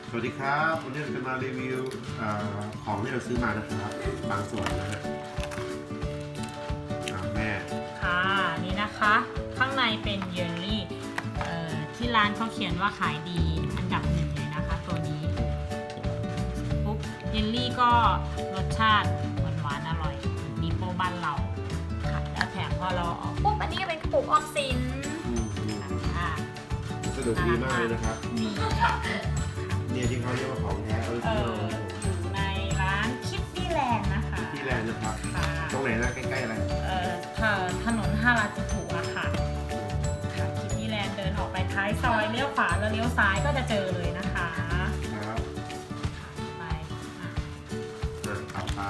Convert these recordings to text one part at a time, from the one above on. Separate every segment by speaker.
Speaker 1: สวัสดีครับวันนี้เราจะมารีวิวของที่เราซื้อมานะครับบางส่วนนะฮะแม่
Speaker 2: ค่ะนี่นะคะข้างในเป็นเยลลี่ที่ร้านเขาเขียนว่าขายดีอันดับหนึ่งเลยนะคะตัวนี้ปุ๊บเยลลี่ก็รสชาติหวานๆอร่อยมีโปรบ้านเราค่ะแล้วแถมพอเราออกปุ๊บอันนี้ก็เป็นกระปุกออมสินค่ะ
Speaker 1: สะดวกดีมากเลยนะครับ
Speaker 2: นี่ค่ะ
Speaker 1: เนี่ยที่เขาเรียกว่าของแท้ออริจินอล
Speaker 2: อยู่ในร้านคิดดี้แลนด์นะคะ
Speaker 1: ที่แลนด์นะครับ
Speaker 2: ค่ะ
Speaker 1: ตรงไหนนะใกล้ๆอะไร
Speaker 2: ถนนฮาราจูกุอะค่ะคิดดี้แลนด์เดินออกไปท้ายซอยเลี้ยวขวาแล้วเลี้ยวซ้ายก็จะเจอเลยนะคะ
Speaker 1: ครับ
Speaker 2: ไป
Speaker 1: ต่อไป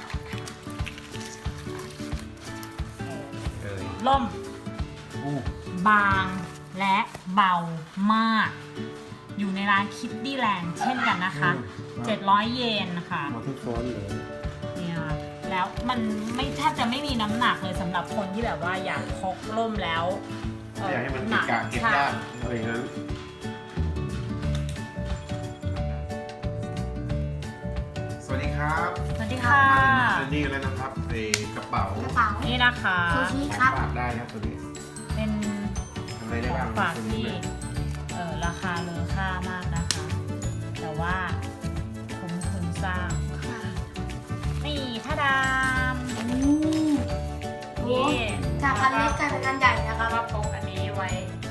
Speaker 2: ล่ม
Speaker 1: อู้
Speaker 2: บางและเบามาก อยู่ในร้านคิดดี้แลนด์เช่นกันนะคะ700 เยนนะคะ
Speaker 1: มาทุกโซนเลย
Speaker 2: เนี่ยแล้วมันไม่แทบจะไม่มีน้ำหนักเลยสำหรับคนที่แบบว่าอยากพกร่มแล้ว
Speaker 1: อยากให้มันติดกะเก็บยากอะไรอย่างนั้นสวัสดีครับ
Speaker 2: สวัสดีค่ะ
Speaker 1: มานี่แล้วนะครับกระเป๋า
Speaker 2: นี่นะคะ
Speaker 3: ซูชิ
Speaker 1: ข
Speaker 3: ครั
Speaker 1: อบ งฝากได้ครับตัวนี้
Speaker 2: เป็น
Speaker 1: ทำอะไร
Speaker 2: ข
Speaker 1: ได้
Speaker 2: อง
Speaker 1: บ้าง
Speaker 2: ฝาก
Speaker 1: ตัวนี้
Speaker 2: ที่
Speaker 1: เนี่ย
Speaker 2: ราคาเลอค่ามากนะคะ แต่ว่าคุ้มทุนสร้างนี่ท่าดามนี่
Speaker 3: จากอันเล็กกลายเป็นอันใหญ่นะครับ
Speaker 2: ก็พกอันนี้ไว้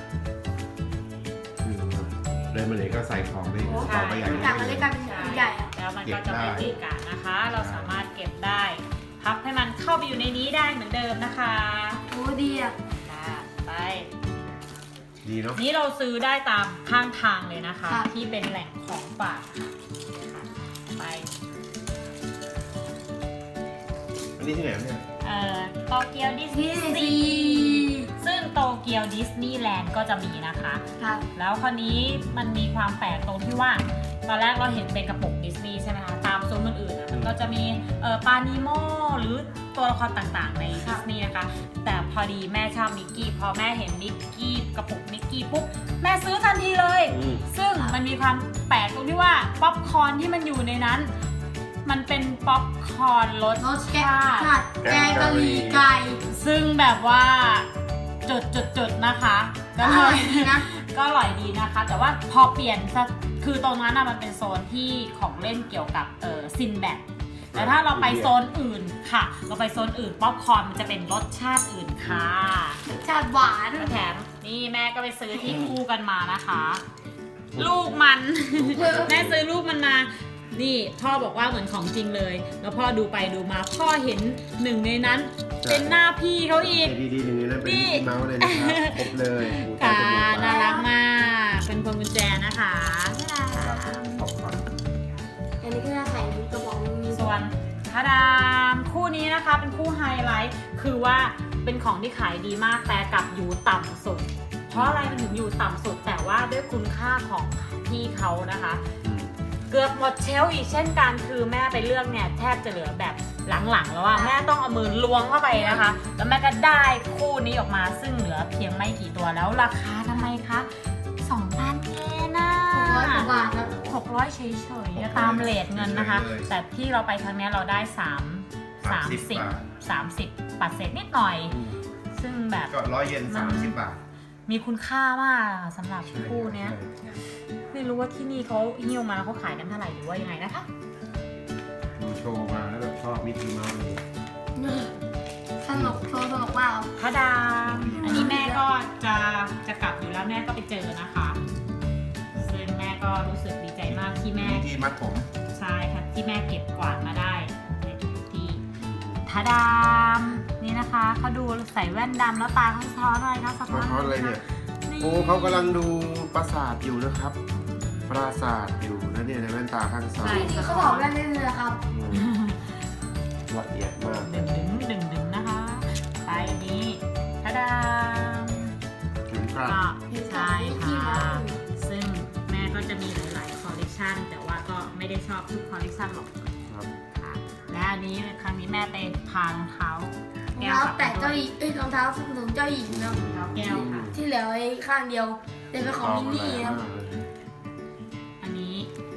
Speaker 1: เลยมาเลยก็ใส่ของในกระเป๋าใบใหญ่
Speaker 3: จากอันเล็กกลายเป็นอันใหญ่อะ
Speaker 2: แล้วมันก็จะไม่ติดกะนะคะ เราสามารถเก็บได้ พับให้มันเข้าไปอยู่ในนี้ได้เหมือนเดิมนะคะ
Speaker 3: โอ้ดีอ่ะ
Speaker 2: ไป
Speaker 1: ดีเนาะ
Speaker 2: นี้เราซื้อได้ตามข้างทางเลยนะคะ
Speaker 3: ครับ
Speaker 2: ที่เป็นแหล่งของฝากค่ะไป
Speaker 1: อันนี้ที่ไหนเนี่ย
Speaker 2: โตเกียวดิสนี
Speaker 3: นี่
Speaker 2: ย์
Speaker 3: สิ
Speaker 2: ซีซึ่งโตเกียวดิสนีย์แลนด์ก็จะมีนะคะ
Speaker 3: ครับ
Speaker 2: แล้วคราวนี้มันมีความแปลกตรงที่ว่า ตอนแรกเราเห็นเป็นกระปุกดิสนีย์ใช่ไหมคะ ตามโซนอื่นๆนะมันก็จะมีปานิโมหรือตัวละครต่างๆในดิสนีย์นะคะ แต่พอดีแม่ชอบมิกกี้ พอแม่เห็นมิกกี้กระปุกมิกกี้ปุ๊บแม่ซื้อทันทีเลย ซึ่งมันมีความแปลกตรงที่ว่าป๊อปคอร์นที่มันอยู่ในนั้น มันเป็นป๊อปคอร์นรส
Speaker 3: รสแกง
Speaker 2: ชาติ
Speaker 3: ผัดแกงกะหรี่ไก่
Speaker 2: ซึ่งแบบว่าจุดๆนะคะก็
Speaker 3: อ
Speaker 2: เล
Speaker 3: ร่อย
Speaker 2: ย
Speaker 3: ดีนะ
Speaker 2: ก็อร่อยดีนะคะ แต่ว่าพอเปลี่ยนคือตรงนั้นมันเป็นโซนที่ของเล่นเกี่ยวกับซินแบดแต่ถ้าเราไปโซนอื่นค่ะ เราไปโซนอื่นป๊อปคอร์นมันจะเป็นรสชาติอื่นค่ะ
Speaker 3: ชาติหวาน
Speaker 2: แถมนี่แม่ก็ไปซื้อที่คู่กันมานะคะ ลูกมัน แม่ซื้อลูกมันมา นี่พ่อบอกว่าเหมือนของจริงเลย แล้วพ่อดูไปดูมาพ่อเห็นหนึ่งในนั้น เป็นหน้าพี่เขาอีก
Speaker 1: ดีๆหนึ่งในนั้นเป็นมิกกี้เมาส์เลยนะครับครบเลยหูตา
Speaker 2: ค่ะ
Speaker 1: จมูกปา
Speaker 2: น่าก รักมาก เป็นพวงกุญแจนะคะ
Speaker 1: ขอบคุณ
Speaker 3: อันนี้ก็จะใส่กระบอกมี
Speaker 2: ส่วนทาดามคู่นี้นะคะเป็นคู่ไฮไลท์คือว่าเป็นของที่ขายดีมากแต่กลับอยู่ต่ำสุด เพราะอะไรมันถึงอยู่ต่ำสุด แต่ว่าด้วยคุณค่าของพี่เขานะคะ เกือบหมดเชลฟ์อีกเช่นกันคือแม่ไปเลือกเนี่ยแทบจะเหลือแบบหลังๆแล้วว่าแม่ต้องเอามือล้วงเข้าไปนะคะ แล้วแม่ก็ได้คู่นี้ออกมาซึ่งเหลือเพียงไม่กี่ตัวแล้วราคาทำไมคะ2,000 เยนนะ
Speaker 3: 600 กว่าบาทครับ
Speaker 2: 600 เฉยๆตามเรทเงินนะคะ แต่ที่เราไปครั้งนี้เราได้30 ปัดเศษนิดหน่อย ซึ่งแบบ
Speaker 1: ก็100 เยน30 บาท
Speaker 2: มีคุณค่ามากสำหรับคู่เนี้ย ไม่รู้ว่าที่นี่เขาหิ้วมาเขาขายกันเท่าไหร่หรือว่ายังไงนะคะ
Speaker 1: ดูโชว์มาแล้วแบบชอบมิกกี้เมาส์เลย
Speaker 3: นี่สนุกโชว์สนุกมากครับ
Speaker 2: พระดามอันนี้แม่ก็จะกลับอยู่แล้วแม่ก็ไปเจอนะคะซึ่งแม่ก็รู้สึกดีใจมากที่แม่
Speaker 1: ที่มัดผม
Speaker 2: ใช่ค่ะที่แม่เก็บกวาดมาได้ในทุกที่พระดามนี่นะคะเขาดูใส่แว่นดำแล้วตาเขาสะท้อนอะไรคะสะท้อน
Speaker 1: เพราะอะไรเนี่ย
Speaker 2: นี่
Speaker 1: โอ้เขากำลังดูปราสาทอยู่นะครับ ปราสาทอยู่นะเนี่ยในแว่นตาข้างซ้าย
Speaker 3: นี่เขาบอกได้เลยนะครับ
Speaker 1: ละเอียดมาก
Speaker 2: ดึงนะคะไปอันนี้พระดาม
Speaker 1: ถึงครับ
Speaker 2: ก็ใช่ค่ะ ซึ่งแม่ก็จะมีหลาย ๆ คอลเลกชันแต่ว่าก็ไม่ได้ชอบทุกคอลเลกชันหรอก
Speaker 1: ครับ
Speaker 2: ค่ะและอันนี้ครั้งนี้แม่ไปพารองเท้าร
Speaker 3: องเท้าแต่เจ้าหญิงรองเท้าส้นสูงเจ้าหญิงนะ
Speaker 2: รองเท้าแก้วค่ะ
Speaker 3: ที่เหลือไอ้ข้างเดียวเป็นของมินนี่ครับ
Speaker 2: อันนี้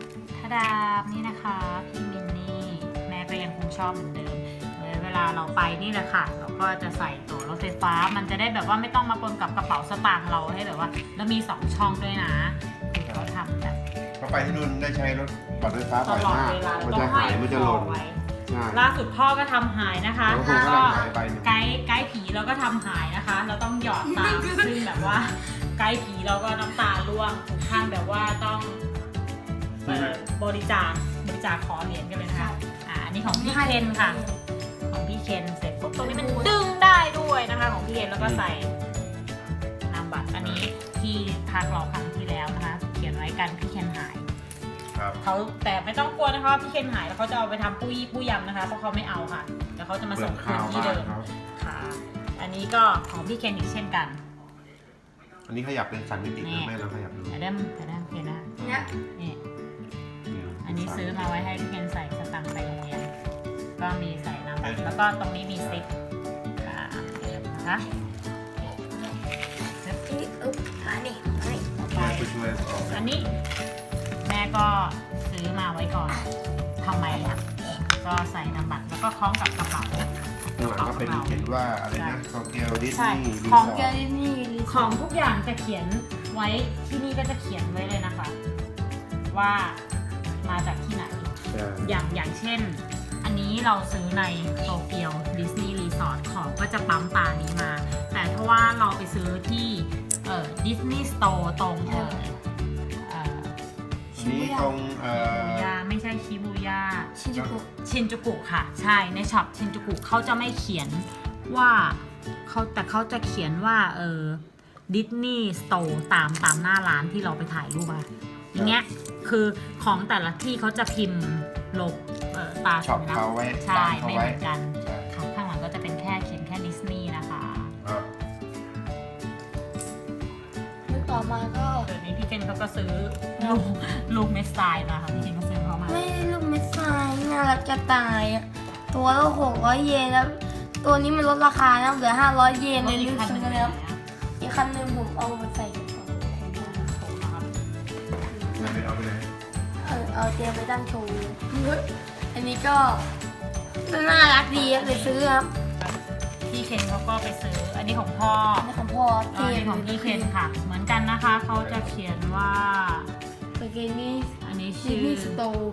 Speaker 2: าดาบนี่นะคะพี่มินนี่แม่ก็ยังคงชอบเหมือนเดิมเวลาเราไปนี่แหละค่ะเราก็จะใส่ตั๋วรถไฟฟ้ามันจะได้แบบว่าไม่ต้องมาปนกับกระเป๋าสตางค์เราให้แบบว่าแล้วมี2ช่องด้วยนะคือเขาทำแบบ
Speaker 1: เขาไปที่นู่นได้ใช้รถบัสไฟฟ้า
Speaker 2: ต
Speaker 1: บ่อย
Speaker 2: ลอด
Speaker 1: มาก
Speaker 2: เวลา
Speaker 1: มัน
Speaker 2: ต้อ
Speaker 1: จะ
Speaker 2: งห้
Speaker 1: หา
Speaker 2: อย
Speaker 1: ยมันจะ
Speaker 2: ค
Speaker 1: ห
Speaker 2: อ
Speaker 1: ล่น
Speaker 2: ไว้
Speaker 1: ใช่
Speaker 2: ล่าสุดพ่อก็ทำหายนะคะ
Speaker 1: แล้วผมก็
Speaker 2: ก็
Speaker 1: ทำหายไปหนึ่ง
Speaker 2: ไกด์ผีเราก็ทำหายนะคะ เราต้องหยอดตามซึ่งแบบว่าไกด์ผีเราก็น้ำตาร่วงถึงขั้นแบบว่าต้องบริจาคขอเหรียญกันเลยนะคะอันนี้ของพี่เคนค่ะ ของพี่เคนเสร็จปุ๊บตรงนี้มันดึงได้ด้วยนะคะของพี่เคนแล้วก็ใส่นามบัตรอันนี้ที่พักเราครั้งที่แล้วนะคะ เขียนไว้กันพี่เคนหาย
Speaker 1: ครับ
Speaker 2: เขาแต่ไม่ต้องกลัวนะคะว่าพี่เคนหายแล้วเขาจะเอาไปทำปุ้ยยำนะคะเพราะเขาไม่เอาค่ะเดี๋ยวเขาจะมาส่งคืนที่เดิม
Speaker 1: ครับ
Speaker 2: ค่ะ อันนี้ก็ของพี่เคนอีกเช่นกัน
Speaker 1: อันนี้ขยับเป็น3 มิตินะแม่ลองขยับดู
Speaker 2: เดี๋ยวเคนนะ
Speaker 3: เนี่ย
Speaker 2: นี่อันนี้ซื้อมาไว้ให้พี่เคนใส่สตังค์ไปโรงเรียนก็มีใส่น้ำบัตรแล้วก็ตรงนี้มีซิปนะคะ
Speaker 3: นี่อุ๊บมานี่มานี่
Speaker 2: ต่อไป
Speaker 1: ไปช่วยออก
Speaker 2: อันนี้แม่ก็ซื้อมาไว้ก่อนทำไมล่ะก็ใส่น้ำบัตรแล้วก็คล้องกับกระเป๋า
Speaker 1: ข้างหลังก็เป็นเขียนว่าอะไรนะโตเกียวดิส
Speaker 2: ใช่
Speaker 1: นีย์รี
Speaker 2: ของ
Speaker 1: สอ
Speaker 3: เก
Speaker 1: ร์ท
Speaker 3: ลินี่รีส
Speaker 2: ข
Speaker 3: อ
Speaker 2: อง
Speaker 3: ร์ท
Speaker 2: ทุกอย่างจะเขียนไว้ที่นี่ก็จะเขียนไว้เลยนะคะ ว่ามาจากที่ไหน อย่างเช่น อันนี้เราซื้อในโตเกียวดิสนีย์รีสอร์ทของก็จะปั๊มตานี้มา แต่ถ้าว่าเราไปซื้อที่ดิสนีย์สโตร์ตรง
Speaker 1: นี่ตรง
Speaker 2: ชิบูย่าไม่ใช่ชิบูย่า
Speaker 3: ชิจูกุ
Speaker 2: ชินจูกุค่ะ ใช่ในช็อปชินจูกุเขาจะไม่เขียนว่าแต่เขาจะเขียนว่าดิสนีย์สโตร์ตามหน้าร้านที่เราไปถ่ายรูปอะอย่างเงี้ยคือของแต่ละที่เขาจะพิมพ์ลบตา
Speaker 1: ช็อป
Speaker 2: สัญลักษ
Speaker 1: เขา
Speaker 2: ณ์
Speaker 1: ไว้
Speaker 2: ใช่
Speaker 1: ตามเขา
Speaker 2: ไม่เห
Speaker 1: ไว้
Speaker 2: มือนกัน
Speaker 1: ใช่
Speaker 2: ค่ะข้างหลังก็จะเป็นแค่เขียนแค่ดิสนีย์นะคะ
Speaker 3: แล้วต่อมาก็
Speaker 2: เดี๋ยวนี้พี่เคนเขาก็ซื้อลูกเมสไซน์มาค่ะพี่เคนก็ซื้อเขามา
Speaker 3: ไม่ลูกเม็ดทรายน่ารักจะตายอะตัวละ600 เยนแล้วตัวนี้มันลดราคานะเหลือ500 เยนเลย
Speaker 2: อี
Speaker 3: รี
Speaker 2: ก
Speaker 3: บ
Speaker 2: คันห
Speaker 3: ซื้
Speaker 2: นึ่
Speaker 3: อง แล้ว
Speaker 2: นะครับ
Speaker 3: อีกคันหนึงผมเอาไปใส่กระเป๋า
Speaker 1: ไม่เอาไปเลย
Speaker 3: เอาเตรียมไปตั้งโชว์อันนี้ก็น่ารักดีครับเลยซื้อครับ
Speaker 2: พี่เคนเขาก็ไปซื้ออันนี้ของพ่อ
Speaker 3: อันนี้ของพ่อ
Speaker 2: อันนี้ของพี่เคนค่ะ เหมือนกันนะคะเขาจะเขียนว่า
Speaker 3: เมื่อกี้นี้
Speaker 2: อันนี้
Speaker 3: ดิ
Speaker 2: ชื่
Speaker 3: ส
Speaker 2: อ
Speaker 3: นีย์สโตร์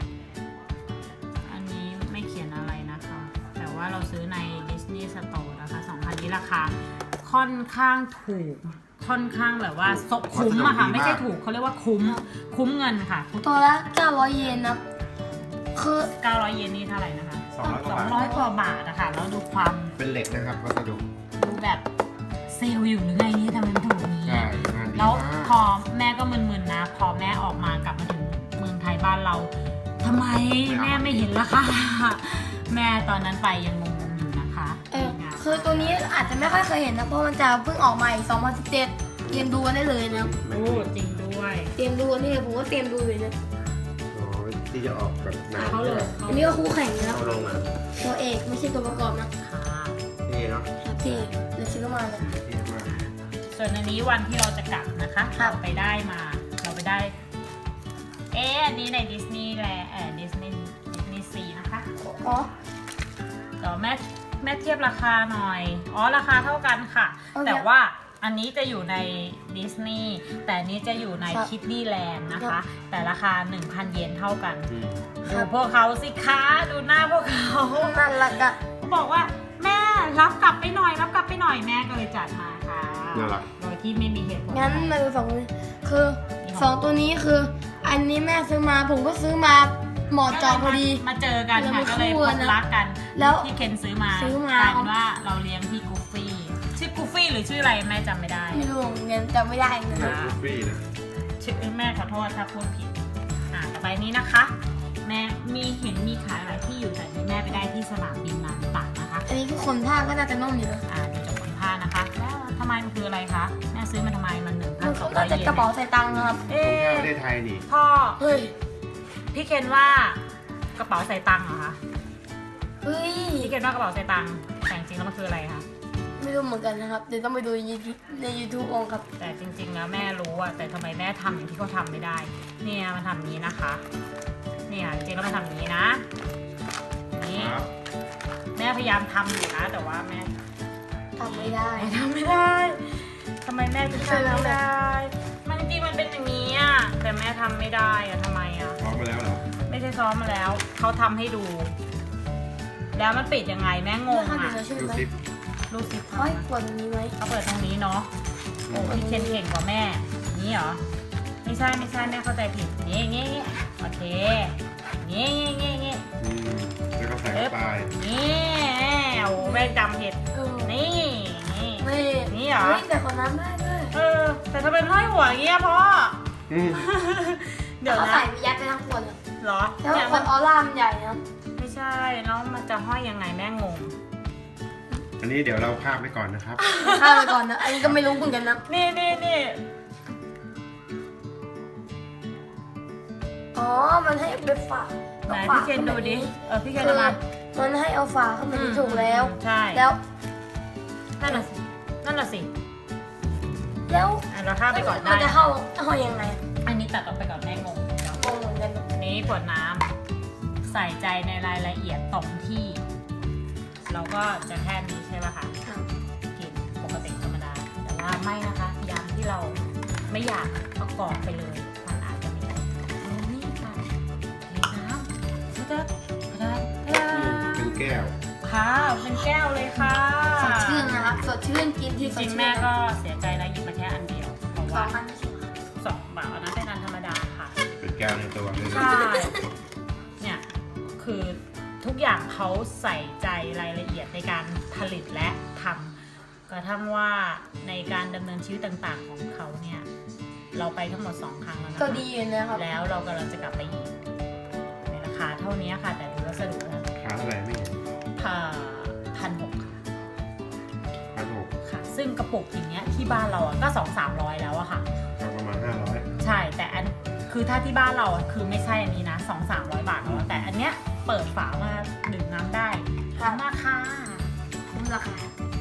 Speaker 2: อันนี้ไม่เขียนอะไรนะคะ แต่ว่าเราซื้อในดิสนีย์สโตร์นะคะ2,000นี้ราคาค่อนข้างถูก ค่อนข้างแบบว่าคุ้มอะค่ะ ไม่ใช่ถูกเขาเรียกว่าคุ้มเงินค่ะ
Speaker 3: ตัวละ900 เยนนะคือ
Speaker 2: 900 เยนนี่เท่าไหร่นะคะ
Speaker 1: 200 กว่าบาท
Speaker 2: 200 กว่าบาทนะคะแล้วดูความ
Speaker 1: เป็นเหล็กนะครับวัสดุ
Speaker 2: ดูแบบเซลล์อยู่หรือไงนี่ทำไมมันถูกนี้
Speaker 1: ใช่งานดี
Speaker 2: แล้ว
Speaker 1: มาก
Speaker 2: พอแม่ก็มึนๆนะ พอแม่ออกมากลับมาถึงเมืองไทยบ้านเราทำไมแม่ไม่เห็นล่ะคะ แม่ตอนนั้นไปยังงงๆอยู่นะคะ
Speaker 3: คือตัวนี้อาจจะไม่ค่อยเคยเห็นนะ เพราะมันจะเพิ่งออกมาอีก2017เตรียมดูกันได้เลยนะ
Speaker 2: โอ้จริงด้วย
Speaker 3: เตรียมดูกันนี่เลยผมก็เตรียมดูเลยนะ
Speaker 1: อ๋อที่จะออกแบบหนัง
Speaker 2: เขาเลย
Speaker 3: อันนี้ก็คู่แข่งนะ
Speaker 1: เข้าลงมา
Speaker 3: ตัวเอกไม่ใช่ตัวประกอบนะ
Speaker 2: ค่ะ
Speaker 1: นี่เนาะ
Speaker 3: ครับที่เลยซื้อมาเลย
Speaker 1: เท่มาก
Speaker 2: ส่วนอันนี้วันที่เราจะกลับนะคะ
Speaker 3: ครับ
Speaker 2: เราไปได้ อันนี้ในดิสนีย์แลนด์ดิสนีย์ซีนะคะ
Speaker 3: อ๋อ
Speaker 2: เดี๋ยวแม่เทียบราคาหน่อย อ๋อ ราคาเท่ากันค่ะ
Speaker 3: โอเค
Speaker 2: แต่ว่าอันนี้จะอยู่ในดิสนีย์แต่อันนี้จะอยู่ใน
Speaker 3: ครับ
Speaker 2: คิดดี้แลนด์นะ
Speaker 3: ครั
Speaker 2: คะ
Speaker 3: บ
Speaker 2: แต่ราคา 1,000 เยนเท่ากัน
Speaker 3: ครั
Speaker 2: ดู
Speaker 3: บ
Speaker 2: พวกเขาสิคะดูหน้าพวกเขา
Speaker 3: น่ารักอะ
Speaker 2: เขาบอกว่าแม่รับกลับไปหน่อยแม่ก็เลยจัดมาค่ะ
Speaker 1: น่ารัก
Speaker 2: โดยที่ไม่มีเหตุผล
Speaker 3: งั้นมาดู2ตัวนี้คือ2ตัวนี้คือ อันนี้แม่ซื้อมาผมก็ซื้อมาเหมาะเจอพอดี
Speaker 2: มาเจอกันค่ะ
Speaker 3: เรา
Speaker 2: ก็เลย
Speaker 3: คู่
Speaker 2: พ
Speaker 3: กัน
Speaker 2: บ
Speaker 3: นะ
Speaker 2: รักกัน
Speaker 3: แล้ว
Speaker 2: ที่เคนซื้อมาก
Speaker 3: ซื้อมาก
Speaker 2: ลายเป็นว่าเราเลี้ยงพี่กูฟี่ชื่อกูฟี่หรือชื่ออะไรแม่จำไม่ได้
Speaker 3: ไม่รู้เงินจำไม่ได้เงิน
Speaker 2: อ่า
Speaker 1: บุฟฟี่นะ
Speaker 2: ชื่อแม่ขอโทษถ้าพูดผิดต่อไปนี้นะคะ แม่มีขายหลายที่อยู่แต่ที่แม่ไปได้ที่สนามบินนาริตะนะคะ
Speaker 3: อันนี้คือคนภาคก็น่าจะนุ่มอยู่นะ
Speaker 2: เดี๋ยวจะคนผ้านะคะแล้วทำไมมันคืออะไรคะแม่ซื้อมันทำไมมัน
Speaker 3: มัน
Speaker 2: 1,200
Speaker 3: น่าจะกระเป๋าใส่ตังค์นะครับ
Speaker 2: เอ๊
Speaker 1: ตรงแค่ประ
Speaker 2: ะ
Speaker 1: เทศไทยนี่
Speaker 2: พ่อ
Speaker 3: เฮ้ย
Speaker 2: พี่เคนว่ากระเป๋าใส่ตังค์เหรอคะ
Speaker 3: เฮ้ย
Speaker 2: พี่เคนว่ากระเป๋าใส่ตังค์แต่จริงๆแล้วมันคืออะไรคะ
Speaker 3: มไม่รู้เหมือนกันนะครับเดี๋ยวต้องไปดูใน YouTube องครับ
Speaker 2: แต่จริงๆแล้วแม่รู้อะแต่ทำไมแม่ทำอย่างที่เขาทำไม่ได้ เนี่ยมันทำอย่างนี้นะคะ เนี่ยจริงๆแล้วมันทำอย่างนี้นะนี่
Speaker 1: ครับ
Speaker 2: แม่พยายามทำอยู่นะ แต่ว่าแม่
Speaker 3: ทำไม่ได้
Speaker 2: ทำไม่ได้ทำไมแม่ถึงทำไม่ได้ มันจริงๆมันเป็นอย่างนี้อะแต่แม่ทำไม่ได้อะทำไมอะ
Speaker 1: พร้อมมาแล้วเหรอ
Speaker 2: ไม่ใช่ซ้อมมาแล้วเขาทำให้ดู แล้วมันปิดยังไงแม่งง
Speaker 3: ถ้า
Speaker 2: อะ
Speaker 3: เดี๋ยวเราช่วย
Speaker 1: ดู
Speaker 3: ไหม
Speaker 1: สิ
Speaker 2: ดูสิ
Speaker 3: เฮ้ยกดอันนี้ไหม
Speaker 2: เขาเปิดตรงนี้เนาะโอ้พี่เคนเก่งกว่าแม่นี่เหรอไม่ใช่แม่เข้าใจผิดนี่งี้โอเคงี้
Speaker 1: อืมแล้วก็ใส่เข้าไป
Speaker 2: นี่โอ้แม่จำผิด
Speaker 3: เออ
Speaker 2: นี่
Speaker 3: ไม่
Speaker 2: นี่เหรอ
Speaker 3: เฮ้ยแต่คนนั้นได้ด้วย
Speaker 2: แต่ทำไมห้อยหัวอย่างเงี้ยพ่อ
Speaker 1: อืม
Speaker 2: เดี๋ยว
Speaker 3: เขา
Speaker 2: นะ
Speaker 3: ใส่ไปยัดไปทั้งขวดเลย
Speaker 2: เหรอ
Speaker 3: แล้ว
Speaker 2: เนี่ย
Speaker 3: ขวดออร่ามันใหญ่นะ
Speaker 2: ไม่ใช่แล้วมันจะห้อยยังไงแม่งง
Speaker 1: อันนี้เดี๋ยวเราคาบไว้ก่อนนะครับ
Speaker 3: ข้ามไปก่อนนะ อันนี้ก็ไม่รู้เหมือนกันนะ
Speaker 2: นี่
Speaker 3: อ๋อ มันให้ไปฝา
Speaker 2: ไหนพี่เคนดูดิพี่เคน
Speaker 3: คื
Speaker 2: เอา
Speaker 3: อ
Speaker 2: มา
Speaker 3: มันให้เอาฝาเข้ามาที่ถูกแล้ว
Speaker 2: ใช่
Speaker 3: แล้ว
Speaker 2: นั่นน่ะสิ
Speaker 3: แล้ว
Speaker 2: เราข้ามไปก่อนได้
Speaker 3: มันจะเข้ายังไง
Speaker 2: อันนี้ตัดออกไปก่อนแม่งง
Speaker 3: งงเหมือนกัน
Speaker 2: อันนี้ขวดน้ำใส่ใจในรายละเอียดตรงที่ เราก็จะแค่นี้ใช่ป่ะคะกินปกติธรรมดา แต่ว่าไม่นะคะยามที่เราไม่อยากเอากรอกไปเลยมันอาจจะไม่ได้เอานี่ค่ะเทน้ำจะ
Speaker 1: เป็นแก้ว
Speaker 2: ค่ะเป็นแก้วเลยค่ะ
Speaker 3: สดชื่นนะครับ สดชื่นกิน
Speaker 2: จ
Speaker 3: ที่สด
Speaker 2: ริง
Speaker 3: ชื่น
Speaker 2: ๆแม่ก็เสียใจนะหยิบมาแค่อันเดียวเพราะ
Speaker 3: สอ
Speaker 2: ว่าง
Speaker 3: อันไม่ใช่เหรอ
Speaker 2: 2 บาทอันนั้นเป็นอันธรรมดาค่ะ
Speaker 1: เป็นแก้วในตัวเลย
Speaker 2: ใช่ เนี่ยคือทุกอย่างเขาใส่ใจรายละเอียดในการผลิตและทำกระทั่งว่าในการดำเนินชีวิตต่างๆของเขาเนี่ยเราไปทั้งหมด2 ครั้งแล้วนะคะ
Speaker 3: ก็ดีอยู่นะครับ
Speaker 2: แล้วเรากำลังจะกลับไปอีกในราคาเท่านี้ค่ะ แต่ดูวัสดุแล้ว
Speaker 1: ขาเท่าไหร่ไม่เห็น
Speaker 2: 1,600 ค่ะ
Speaker 1: 1,600
Speaker 2: ค่ะ ซึ่งกระปุกอย่างเงี้ยที่บ้านเราอะก็200-300แล้วอะค่ะ
Speaker 1: ประมาณ500
Speaker 2: ใช่แต่อันคือถ้าที่บ้านเราอะคือไม่ใช่อันนี้นะ200-300 บาทแล้วแต่อันเนี้ยเปิดฝามาดื่มน้ำได้
Speaker 3: ครับ
Speaker 2: มากค่ะ
Speaker 3: คุ้มราคา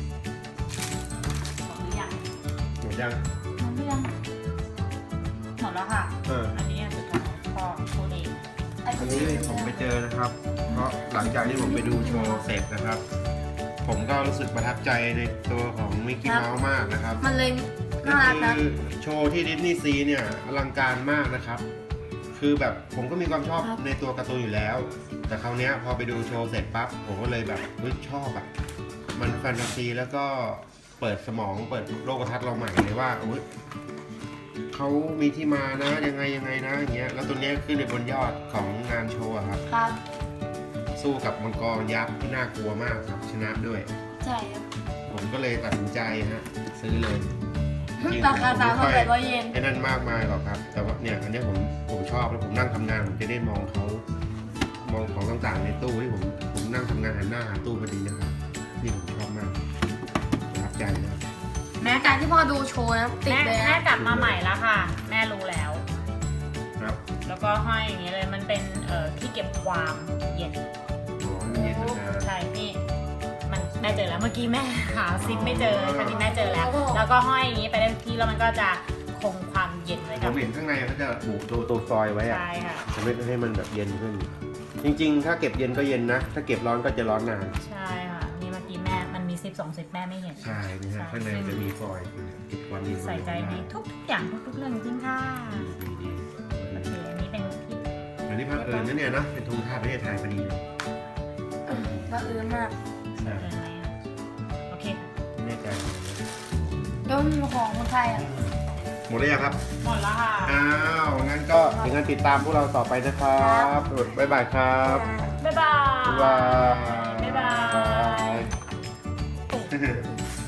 Speaker 2: หมดหรือยัง
Speaker 1: หมดยัง
Speaker 2: หมดหรือยังหมดแล้วค่ะ อันนี้สุดท้ายพ่อพูดเอง
Speaker 1: อันนี้ผมไปเจอนะครับ เพราะหลังจากที่ผมไปดูโชว์เสร็จนะครับ ผมก็รู้สึกประทับใจในตัวของมิกกี้เมาส์มากนะครับ
Speaker 3: มันเลย
Speaker 1: ก็
Speaker 3: น่ารักนะ
Speaker 1: คือโชว์ที่ดิสนีย์ซีเนี่ยอลังการมากนะครับ คือแบบผมก็มีความชอบในตัวการ์ตูนอยู่แล้ว แต่คราวเนี้ยพอไปดูโชว์เสร็จปั๊บผมก็เลยแบบชอบอ่ะมันแฟนตาซีแล้วก็เปิดสมองเปิดโลกทัศน์เราใหม่เลยว่าเขามีที่มานะยังไงนะอย่างเงี้ยแล้วตัวเนี้ยขึ้นในบนยอดของงานโชว์อะครับ
Speaker 3: ครับ
Speaker 1: สู้กับมังกรยักษ์ที่น่ากลัวมากครับชนะด้วย
Speaker 3: ใช่ครับ
Speaker 1: ผมก็เลยตัดสินใจฮะซื้อเลยจงๆ
Speaker 3: ราคา
Speaker 1: ผมไม่ค่อย
Speaker 3: 3,800 เยน
Speaker 1: ไอ้นั่นมากมายหรอกครับ แต่ว่าเนี่ยอันเนี้ยผมชอบแล้วผมนั่งทำงานผมจะได้มองเขามองของต่างๆในตู้ที่ผมนั่งทำงานหันหน้าหาตู้พอดีนะครับนี่ผมชอบมากประทับใจนะครับ
Speaker 3: แม้การที่พ่อดูโชว์นะติด
Speaker 2: แม่
Speaker 3: เลย
Speaker 2: แม่
Speaker 3: นะ
Speaker 2: กลับมาใหม่แล้วค่ะ แม่รู้แล้ว
Speaker 1: ครับ
Speaker 2: แล้วก็ห้อยอย่างนี้เลยมันเป็นที่เก็บความเย็น
Speaker 1: อ๋อมันเย็นนะ
Speaker 2: ใช่นี่มันแม่เจอแล้วเมื่อกี้แม่หาซิปไม่เจอคราวนี้แม่เจอแล้ว แล้วก็ห้อยอย่างนี้ไปได้ทุกที่แล้วมันก็จะคงความเย็นไว้
Speaker 1: ผ
Speaker 2: กับ
Speaker 1: มเห็นข้างในเขาจะบุตัวฟอยล์ไว้อะ
Speaker 2: ใช่ค่ะ
Speaker 1: จะไม่ให้มันแบบเย็นขึ้น จริงๆ ถ้าเก็บเย็นก็เย็นนะ ถ้าเก็บร้อนก็จะร้อนนาน
Speaker 2: ใช่ค่ะนี่เมื่อกี้แม่มันมีซิป2 ซิปแม่ไม่เห็น
Speaker 1: ใช่นี่ฮะข้างในจะมีฟอยล์เก็บความเย็น
Speaker 2: ใส่ใจในทุกอย่างทุกๆเรื่องจริงๆค่ะ
Speaker 1: ดี
Speaker 2: โอเคอันนี้เป็นที่
Speaker 1: อันนี้พักเอิญนะเนี่ยนะเป็นธงชาติประเทศไทยพอดีเลย
Speaker 3: ก็เออมาก
Speaker 1: ใช่
Speaker 2: เกินไหมอะโอเค
Speaker 1: แน่ใจ
Speaker 3: แล้วของคนไทยอ่ะ
Speaker 1: หมดแล้วยังครับ
Speaker 2: หมดแล้วค่ะ
Speaker 1: อ้าว งั้นก็ถึงการติดตามพวกเราต่อไปนะครับบ๊ายบายครับ
Speaker 2: บ๊ายบาย
Speaker 1: บ๊ายบาย
Speaker 2: บ๊ายบาย
Speaker 1: บ๊ายบาย